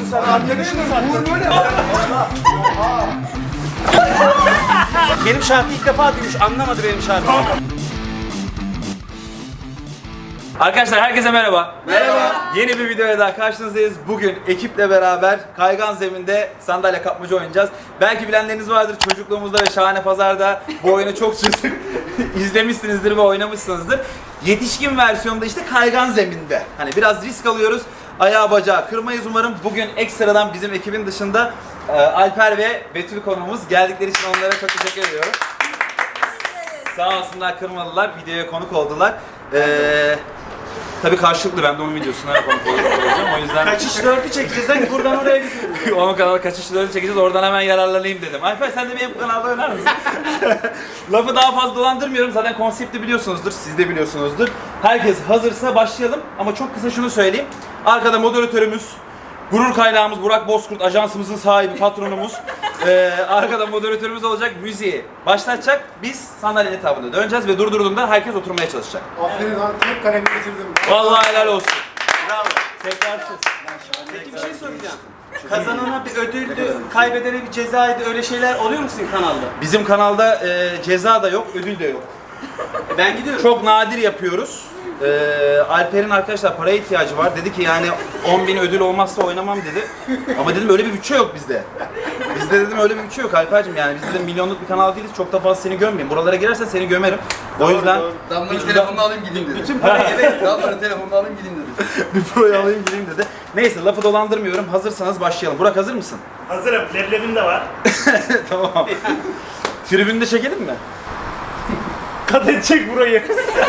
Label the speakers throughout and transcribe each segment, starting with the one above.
Speaker 1: sen arkadaşını sattın. Böyle
Speaker 2: Benim şarkıyı ilk defa duymuş, anlamadı benim şarkımı. Arkadaşlar herkese merhaba.
Speaker 1: Merhaba.
Speaker 2: Yeni bir videoya daha karşınızdayız. Bugün ekiple beraber kaygan zeminde sandalye kapmaca oynayacağız. Belki bilenleriniz vardır, çocukluğumuzda ve Şahane Pazar'da bu oyunu çok izlemişsinizdir ve oynamışsınızdır. Yetişkin versiyonda işte kaygan zeminde. Hani biraz risk alıyoruz. Ayağı bacağı kırmayız umarım. Bugün ekstradan bizim ekibin dışında Alper ve Betül konuğumuz geldikleri için onlara çok teşekkür ediyorum. Sağ olsunlar, kırmadılar, videoya konuk oldular. Tabii karşılıklı, ben de onun videosuna konuk olacağım, o yüzden...
Speaker 1: Kaçış 4'ü çekeceğiz, hani buradan oraya gidiyoruz.
Speaker 2: Onun kanalı kaçışları çekeceğiz, oradan hemen yararlanayım dedim. Alper sen de benim kanalda oynar mısın? Lafı daha fazla dolandırmıyorum, zaten konsepti biliyorsunuzdur, siz de biliyorsunuzdur. Herkes hazırsa başlayalım ama çok kısa şunu söyleyeyim. Arkada moderatörümüz, gurur kaynağımız Burak Bozkurt, ajansımızın sahibi, patronumuz. Arkada moderatörümüz olacak, müziği başlatacak. Biz sandalyenin etrafında döneceğiz ve durdurduğunda herkes oturmaya çalışacak.
Speaker 3: Aferin lan, hep kalemi bitirdim.
Speaker 2: Vallahi helal olsun.
Speaker 1: Bravo.
Speaker 2: Tekrarsız.
Speaker 1: Peki bir şey soracağım. Kazanana bir ödüldü, kaybedene bir cezaydı, öyle şeyler oluyor mu sizin kanalda?
Speaker 2: Bizim kanalda ceza da yok, ödül de yok.
Speaker 1: Ben gidiyorum.
Speaker 2: Çok nadir yapıyoruz. Alper'in arkadaşlar paraya ihtiyacı var. Dedi ki yani 10.000 ödül olmazsa oynamam dedi. Ama dedim öyle bir bütçe yok bizde. Bizde dedim öyle bir bütçe yok Alper'cim, yani biz dedim milyonluk bir kanal değiliz. Çok da fazla seni gömmeyeyim. Buralara girersen seni gömerim. O yüzden
Speaker 4: Damla'nın telefonunu alayım gideyim dedi.
Speaker 1: Bütün parayı eve...
Speaker 4: Damla'nın telefonunu alayım gideyim dedi.
Speaker 2: bir proyu alayım gireyim dedi. Neyse lafı dolandırmıyorum. Hazırsanız başlayalım. Burak hazır mısın?
Speaker 5: Hazırım. Leblebim de var.
Speaker 2: Tamam. Tribünde çekelim mi?
Speaker 5: Kat edecek burayı.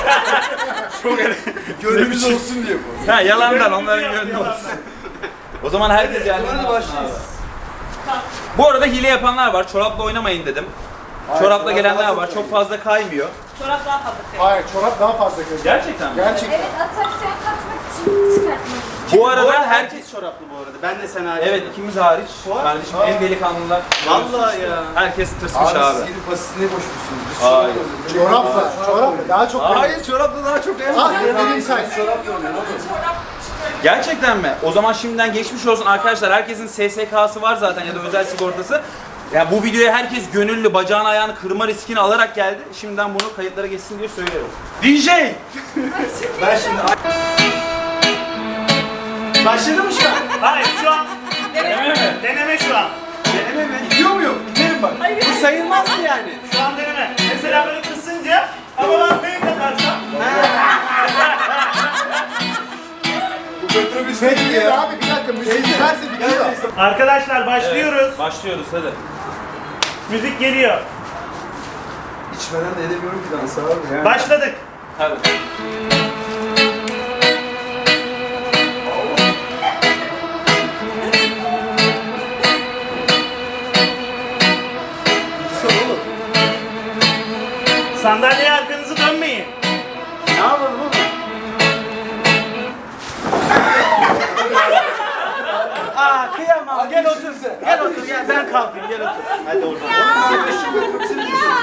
Speaker 4: Gönlümüz olsun diye bu.
Speaker 2: Ha yalandan onların gönlü olsun. O zaman herkes yerlerine başlasın. Bu arada hile yapanlar var. Çorapla oynamayın dedim. Çorapla gelenler var. Çok fazla kaymıyor.
Speaker 6: Çorap daha fazla kıyım.
Speaker 3: Hayır, çorap daha fazla görüyor.
Speaker 2: Gerçekten mi?
Speaker 3: Gerçekten.
Speaker 6: Evet, atraksiyon katmak için çıkartmak.
Speaker 2: Bu arada herkes...
Speaker 1: herkes çoraplı bu arada. Ben de sen hariç.
Speaker 2: Evet, ikimiz hariç. Kardeşim en delikanlılar.
Speaker 1: Vallahi ya.
Speaker 2: Herkes tırsmış abi.
Speaker 4: Siz gidip basitine koşmuşsunuz. Biz
Speaker 2: Hayır.
Speaker 3: Çorapla daha çok görüyor.
Speaker 2: Hayır, çorapla daha çok
Speaker 3: Ah, benim say.
Speaker 2: Gerçekten mi? O zaman şimdiden geçmiş olsun arkadaşlar. Herkesin SSK'sı var zaten ya da özel sigortası. Ya bu videoya herkes gönüllü, bacağını ayağını kırma riskini alarak geldi. Şimdiden bunu kayıtlara geçsin diye söylüyorum.
Speaker 1: DJ! Ben şimdi... Başladı mı şu an?
Speaker 5: Hayır şu an
Speaker 2: Deneme mi?
Speaker 5: deneme şu an.
Speaker 1: Deneme mi? Gidiyor muyum? Biterim bak. Bu sayılmaz mı yani?
Speaker 5: Şu an deneme. Mesela böyle kısınca ama ben fake atarsam.
Speaker 3: Peki ya. Abi bir dakika, müziği giderse bitiyor.
Speaker 5: Arkadaşlar başlıyoruz.
Speaker 2: Başlıyoruz hadi.
Speaker 5: Müzik geliyor.
Speaker 4: İçmeden de edemiyorum ki dansı abi. Yani.
Speaker 5: Başladık.
Speaker 2: Hadi.
Speaker 5: Sandalyeye arkanızı dönmeyin.
Speaker 1: Ne yapalım oğlum? Aa kıyamam. Gel otur. Gel otur. Gel ben kalkayım. Gel otur. Hadi oradan.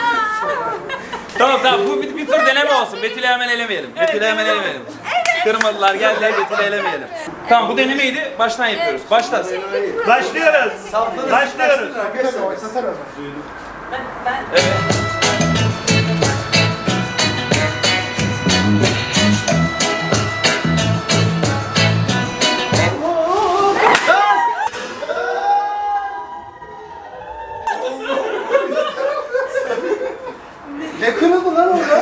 Speaker 2: Tamam bu bir tur deneme olsun. Betül'ü hemen elemeyelim. Betül'ü hemen elemeyelim. Kırmadılar geldiler, Betül'ü elemeyelim. Tamam bu denemeydi. Baştan yapıyoruz. Başla.
Speaker 5: Başlıyoruz. Başlıyoruz.
Speaker 3: Tabii, oynasana onu.
Speaker 2: Evet.
Speaker 1: Ne kırıldı lan orada?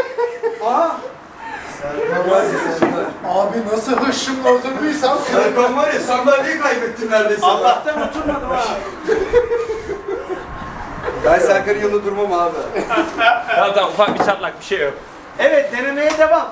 Speaker 3: Abi nasıl hışımla oturduysam.
Speaker 4: Ben var ya sandalyeyi kaybettim neredeyse.
Speaker 1: Allah'tan oturmadım ha.
Speaker 4: Ben Serkan'ın yanında durmam abi.
Speaker 2: Tamam ufak bir çatlak bir şey yok.
Speaker 1: Evet denemeye devam.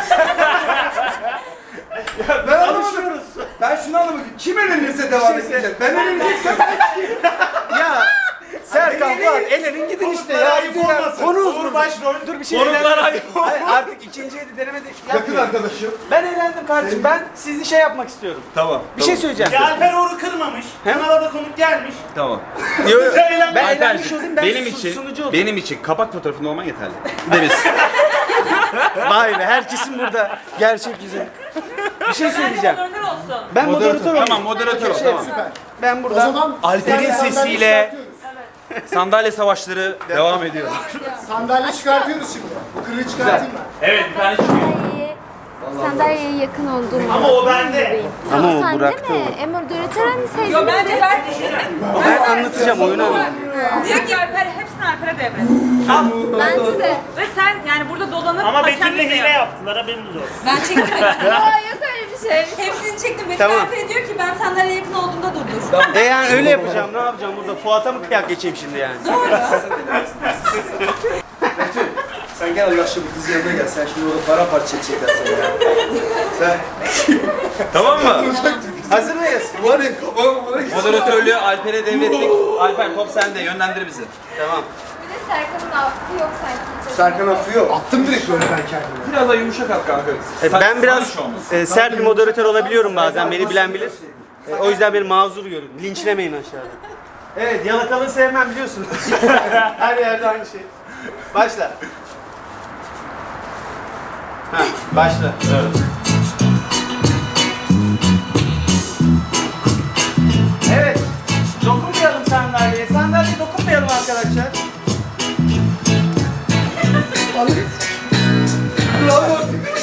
Speaker 4: Ben anlamadım.
Speaker 1: Alışıyoruz.
Speaker 4: Ben şunu anlamadım. Kim elenirse devam edecek. Ben eleneceksem
Speaker 1: Ya Serkan Fuat elenin gidin işte ya.
Speaker 5: Ayıp olmasın.
Speaker 1: Konu
Speaker 5: Uğur
Speaker 1: uzun.
Speaker 5: başrol.
Speaker 1: Dur bir şey
Speaker 2: Konuklar
Speaker 1: eğlendim.
Speaker 2: ayıp.
Speaker 1: Hayır, artık ikinciye de denemedik.
Speaker 4: yakın
Speaker 1: Yapmıyorum.
Speaker 4: arkadaşım.
Speaker 1: Ben eğlendim kardeşim. Ben sizi şey yapmak istiyorum.
Speaker 2: Tamam.
Speaker 1: Bir şey söyleyeceğim.
Speaker 5: Ya Alper Uğur'u kırmamış. Kanala da konuk gelmiş.
Speaker 2: Tamam.
Speaker 1: Ben
Speaker 2: Alper'cim,
Speaker 1: eğlenmiş olayım. Ben
Speaker 2: benim için
Speaker 1: sunucu olayım.
Speaker 2: benim için kapak fotoğrafında olman yeterli. Deniz.
Speaker 1: Vay be, herkesin burada gerçek yüzü. Bir şey söyleyeceğim.
Speaker 6: Moderatör olsun.
Speaker 1: Ben moderatör olayım.
Speaker 2: Tamam moderatör ol. Tamam.
Speaker 3: Süper.
Speaker 1: Ben
Speaker 3: O
Speaker 1: burada
Speaker 3: zaman
Speaker 2: Alper'in
Speaker 3: sandalye
Speaker 2: sesiyle-
Speaker 3: çıkartıyoruz.
Speaker 2: Sandalye savaşları devam ediyor.
Speaker 3: Sandalye çıkartıyoruz şimdi. Bu kırığı çıkartayım ben.
Speaker 5: Evet bir tane çıkıyor.
Speaker 7: Sandalyeye yakın olduğum
Speaker 5: Ama o bende.
Speaker 1: Ama o
Speaker 7: sen
Speaker 1: bıraktı
Speaker 7: değil mi? Moderatör hani sevdiğin
Speaker 6: Yo bence ben
Speaker 1: ben anlatacağım, oyunu anlatacağım.
Speaker 6: diyor ki Alper hepsini Alper'e devret.
Speaker 7: Bence de.
Speaker 6: Ve sen yani burada dolanıp
Speaker 5: Ama
Speaker 6: hakem
Speaker 5: Betül'le
Speaker 6: de
Speaker 5: hile
Speaker 6: yap.
Speaker 5: yaptılar haberiniz olsun.
Speaker 7: Ben çektim. Aa, yok öyle bir şey.
Speaker 6: Hepsini çektim. Betül
Speaker 1: Tamam.
Speaker 6: Alper'e diyor ki ben sandalyeye yakın olduğumda durdur.
Speaker 1: Yani öyle yapacağım. Ne yapacağım burada? Fuat'a mı kıyak geçeyim şimdi yani?
Speaker 4: Sen gel yaşlı bir kız yanına gel. Sen şimdi orada para parça çekecekler seni ya. Sen
Speaker 2: Tamam mı?
Speaker 1: Hazır mıyız?
Speaker 4: var ya kafama bana git.
Speaker 2: Moderatörlüğü Alper'e devrettik. Alper top sende, yönlendir bizi.
Speaker 1: Tamam.
Speaker 7: Bir de Serkan'ın affı yok sanki.
Speaker 4: Serkan affı yok.
Speaker 3: Attım direkt böyle ben kendime.
Speaker 2: Biraz da yumuşak at kanka.
Speaker 1: Ben biraz sert bir moderatör olabiliyorum bazen. Beni bilen bilir. O yüzden beni mazur görün. Linçlemeyin aşağıda. Evet, yalakalığı sevmem biliyorsunuz. Her yerde aynı şey. Başla. Ha, başla. Evet. Evet. Dokunmayalım sandalyeye. Sandalyeye dokunmayalım arkadaşlar.
Speaker 4: Bravo.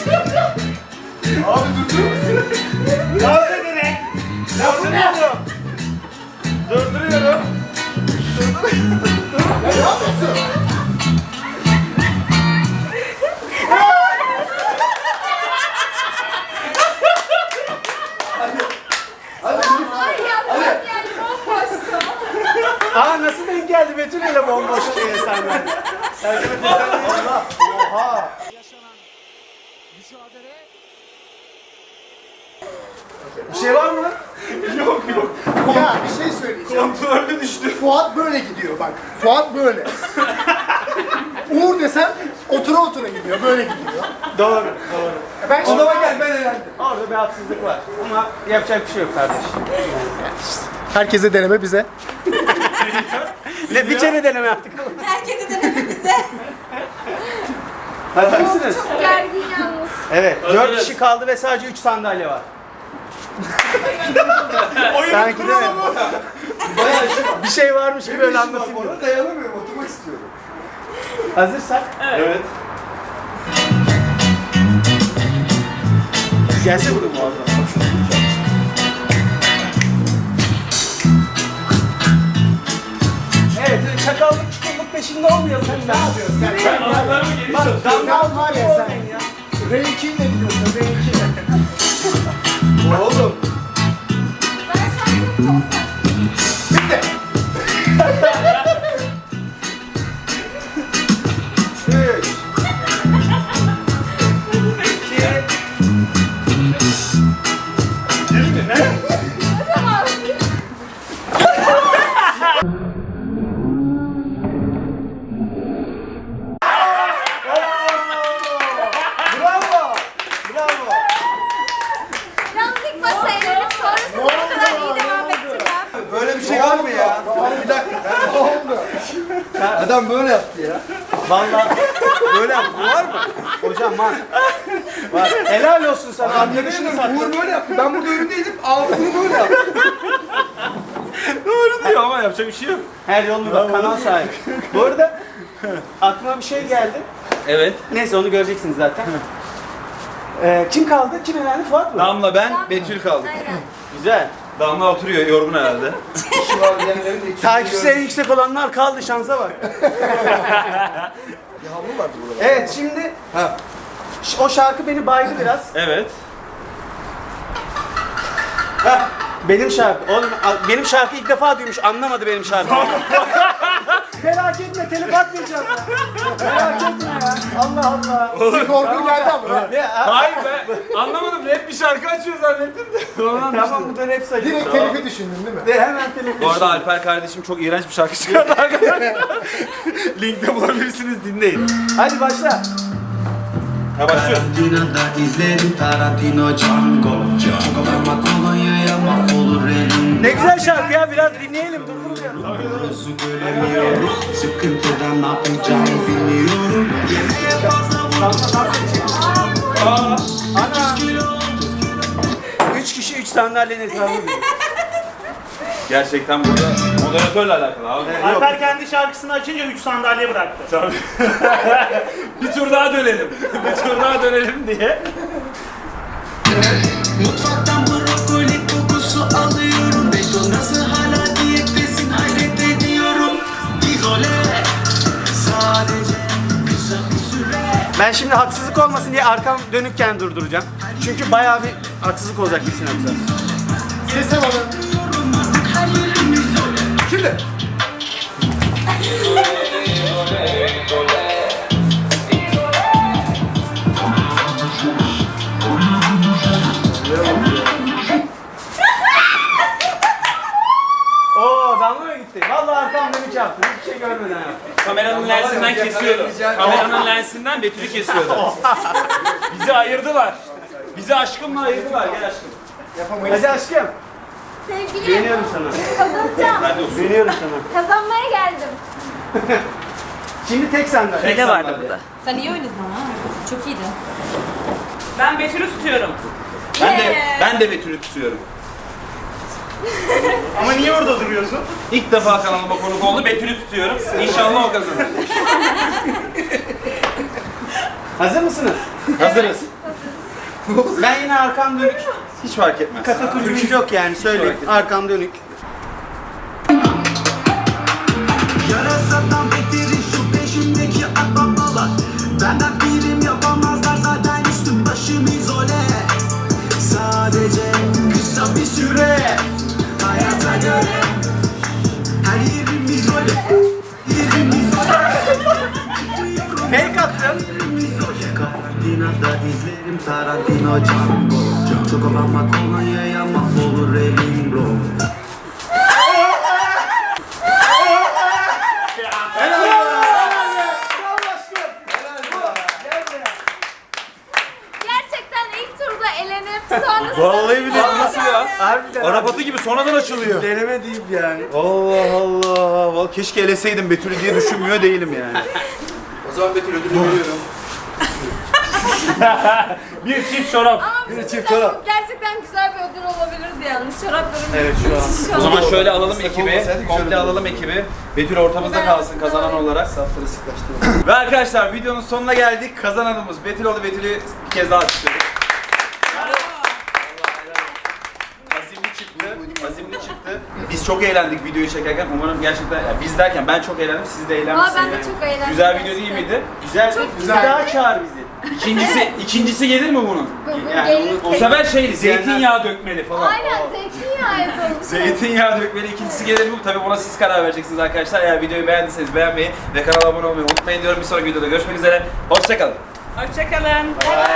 Speaker 4: Abi durdur.
Speaker 5: Dans edene.
Speaker 1: Durduruyorum. Durduruyorum.
Speaker 3: Ya ne yapıyorsun?
Speaker 1: Aa, nasıl denk geldi Betül ile bomboş diye sandalye. Allah. Oha. Bir şey var mı?
Speaker 3: Ya bir şey söyleyeceğim.
Speaker 4: Kontrollü düştü.
Speaker 3: Fuat böyle gidiyor bak. Fuat böyle. Uğur desem otura otura gidiyor. Böyle gidiyor.
Speaker 1: Doğru, doğru.
Speaker 3: Ben şimdi
Speaker 4: Odama gel ben eğlendim.
Speaker 1: Orada bir haksızlık var. Ama yapacak bir şey yok kardeş.
Speaker 3: herkese deneme bize.
Speaker 1: Ne bir kere deneme yaptık.
Speaker 6: Herkese deneme bize.
Speaker 1: Hazır mısınız?
Speaker 7: Gergin yalnız.
Speaker 1: Evet. 4 kişi kaldı ve sadece 3 sandalye var. Sanki değil mi?
Speaker 4: Bayağı şey.
Speaker 1: Bir şey varmış gibi öyle anlatayım.
Speaker 4: Ona dayanamıyorum. Oturmak istiyorum.
Speaker 1: Hazırsak.
Speaker 2: Evet.
Speaker 1: Gelse bunu muazzam. Evet, çakallık çukurluk peşinde olmayalım. Ne yapıyorsun?
Speaker 5: Ben anahtarımı geri
Speaker 1: Bak,
Speaker 5: çalışıyorum.
Speaker 1: damla
Speaker 3: var ya sen. R2'yi de biliyorsun. R2'yi.
Speaker 4: Oğlum.
Speaker 7: Ben şarkımı çok sevdim.
Speaker 3: Bitti.
Speaker 1: Üç. İki.
Speaker 7: Tamam.
Speaker 1: Bravo. Bravo.
Speaker 7: Yalnız ilk başta eğlenip sonrasında bu kadar iyi devam ettirmem.
Speaker 4: Böyle bir şey var mı ya? Bir dakika.
Speaker 3: Ne oldu?
Speaker 4: Adam böyle yaptı ya.
Speaker 1: Vallahi böyle yaptı. Var mı? Hocam var. Var. Helal olsun sana. Arkadaşını
Speaker 4: Uğur
Speaker 1: sattın.
Speaker 4: böyle yaptı. Ben burada önündeydim. Abi bunu böyle yaptı.
Speaker 2: Doğru diyor ama yapacak bir şey yok.
Speaker 1: Her yolunu bak, kanal sahibi. Bu arada aklıma bir şey geldi.
Speaker 2: Evet.
Speaker 1: Neyse, onu göreceksiniz zaten. Kim kaldı? Kim elendi? Fuat mı?
Speaker 2: Damla ben, Betül kaldık.
Speaker 7: Aynen.
Speaker 1: Güzel.
Speaker 2: Damla oturuyor yorgun herhalde.
Speaker 4: Şu var diğerlerin de ikisi
Speaker 1: Takipçisi en yüksek olanlar kaldı, şansa bak.
Speaker 4: Bir havlu vardı burada.
Speaker 1: Evet, şimdi
Speaker 4: Ha.
Speaker 1: o şarkı beni baydı biraz.
Speaker 2: Evet.
Speaker 1: Heh, benim şarkı. Oğlum benim şarkı ilk defa duymuş, anlamadı benim şarkımı. Merak etme, telif atmayacağım ya. Merak etme ya. Allah Allah.
Speaker 3: Bir korku geldi ama.
Speaker 2: Hayır be. Anlamadım. Rap bir şarkı açıyor zannettim de. Ondan
Speaker 1: Tamam, bu da rap sayılır.
Speaker 3: Direkt telifi düşündün değil mi?
Speaker 1: De hemen telif.
Speaker 2: Bu arada Alper kardeşim çok iğrenç bir şarkı çıkardı arkadaşlar. Linkte bulabilirsiniz, dinleyin.
Speaker 1: Hadi başla.
Speaker 2: Ha başlıyor.
Speaker 8: Tarantino'da izledim Tarantino Django Ama kolonyaya mahvolur elim
Speaker 1: Ne güzel şarkı ya, biraz dinleyelim. Durdurmayalım.
Speaker 8: Doğrusu göremiyorum Sıkıntıdan ne yapacağımı bilmiyorum Yemeğe fazla
Speaker 2: Aa,
Speaker 1: Ana. 3 kişi 3 sandalyenin etrafında.
Speaker 2: gerçekten burada moderatörle alakalı abi.
Speaker 5: Alper kendi şarkısını açınca 3 sandalye bıraktı.
Speaker 2: Tabii. Bir tur daha dönelim. Bir tur daha dönelim diye.
Speaker 8: Mutfaktan brokoli kokusu alıyorum. Beton nasıl hala diyettesin hayret ediyorum. İzole sadece kısa bir süre.
Speaker 1: Ben şimdi haksızlık olmasın diye arkam dönükken durduracağım. Çünkü bayağı bir haksızlık olacak bir sinapsa.
Speaker 3: Sese alın. Şimdi.
Speaker 1: Oo damla mı gitti? Vallahi arkam dönük yaptım. Hiçbir şey görmeden yaptım.
Speaker 2: Kameranın lensinden kesiyordu. Kameranın lensinden Betül'ü kesiyordu. Bizi ayırdılar. Bizi aşkımla ayırdılar. Gel aşkım.
Speaker 1: Hadi aşkım.
Speaker 7: Sevgilim
Speaker 1: Güveniyorum sana.
Speaker 7: kazanacağım.
Speaker 2: Hadi olsun.
Speaker 1: Güveniyorum sana.
Speaker 7: Kazanmaya geldim.
Speaker 1: Şimdi tek sandalye.
Speaker 2: Ne vardı burada?
Speaker 6: Sen iyi oynadın ha. Çok iyiydi.
Speaker 5: Ben Betül'ü tutuyorum.
Speaker 2: Ben de Betül'ü tutuyorum.
Speaker 5: Ama niye orada duruyorsun?
Speaker 2: İlk defa kanalıma konuk oldu. Betül'ü tutuyorum. İnşallah o kazanır.
Speaker 1: Hazır mısınız?
Speaker 2: Hazırız.
Speaker 1: Ben yine arkam dönük.
Speaker 2: Hiç fark etmez.
Speaker 1: Katakullümüz yok yani söyleyeyim. Arkam dönük.
Speaker 8: Yarasadan beteri şu peşimdeki akbabalar. Benden birim yapamazlar zaten üstüm başım izole. Sadece kısa bir süre hayata göre. Her yerim izole. Yerim izole.
Speaker 1: Fake attım.
Speaker 8: Karantinada izlerim Tarantino Django. Çok olanma kolonyaya mahvolur elim bro.
Speaker 7: Gerçekten ilk turda elenip sonrasında...
Speaker 2: Vallahi billahi nasıl ya?
Speaker 1: Harbiden.
Speaker 2: Arap atı gibi sonradan açılıyor.
Speaker 1: Deneme deyip yani.
Speaker 2: Allah Allah. Vallahi keşke eleseydim Betül'ü diye düşünmüyor değilim yani.
Speaker 4: O zaman Betül ödülü veriyorum.
Speaker 5: Bir çift çorap.
Speaker 7: Ama bir şey söyleyeyim, gerçekten güzel bir ödül olabilirdi yalnız. Çoraplarım
Speaker 1: Evet, şu an.
Speaker 2: O zaman şöyle alalım
Speaker 4: Destek
Speaker 2: ekibi.
Speaker 4: olmasaydı güzel
Speaker 2: Komple
Speaker 4: olurdu.
Speaker 2: alalım ekibi. Betül ortamızda kalsın kazanan olarak.
Speaker 4: Safları sıklaştıralım.
Speaker 2: Ve arkadaşlar videonun sonuna geldik. Kazananımız Betül oldu. Betül'ü bir kez daha alkışlıyoruz. Azimli çıktı. Azimli çıktı. Biz çok eğlendik videoyu çekerken. Umarım gerçekten, yani biz derken ben çok eğlendim. Siz de eğlenmişsiniz.
Speaker 7: ben de çok eğlendim
Speaker 2: Güzel video değil
Speaker 7: gerçekten.
Speaker 2: miydi?
Speaker 1: Güzel.
Speaker 7: Çok
Speaker 1: Güzel. Bir daha çağır bizi.
Speaker 2: İkincisi gelir mi bunun?
Speaker 1: Yani
Speaker 7: Gelin
Speaker 2: O sefer şeyli, zeytinyağı dökmeli falan.
Speaker 7: Aynen zeytinyağı yapalım.
Speaker 2: Zeytinyağı dökmeli ikincisi gelir mi? Tabii buna siz karar vereceksiniz arkadaşlar. Eğer videoyu beğendiyseniz beğenmeyi ve kanala abone olmayı unutmayın diyorum. Bir sonraki videoda görüşmek üzere. Hoşçakalın.
Speaker 5: Hoşçakalın.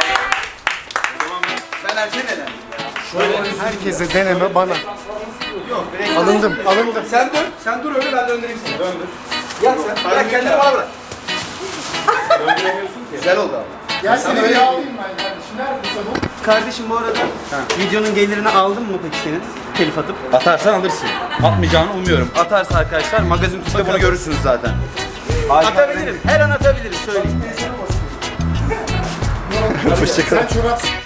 Speaker 2: Ben erken elendim.
Speaker 3: Herkese deneme bana. Alındım.
Speaker 4: Sen dur öyle ben döndüreyim seni. Döndür. Yat sen. Bırak kendini bana bırak.
Speaker 2: Döndüremiyorsun ki.
Speaker 4: Güzel oldu abi.
Speaker 3: Gel seni bir alayım ben kardeşim. Neredesin bu?
Speaker 1: Kardeşim bu arada videonun gelirini aldın mı peki senin? Telif atıp.
Speaker 2: Atarsan alırsın. Atmayacağını umuyorum. Atarsa arkadaşlar magazin tüpte bunu görürsünüz zaten.
Speaker 1: Atabilirim. Her an atabilirim söyleyeyim.
Speaker 3: Sen çorap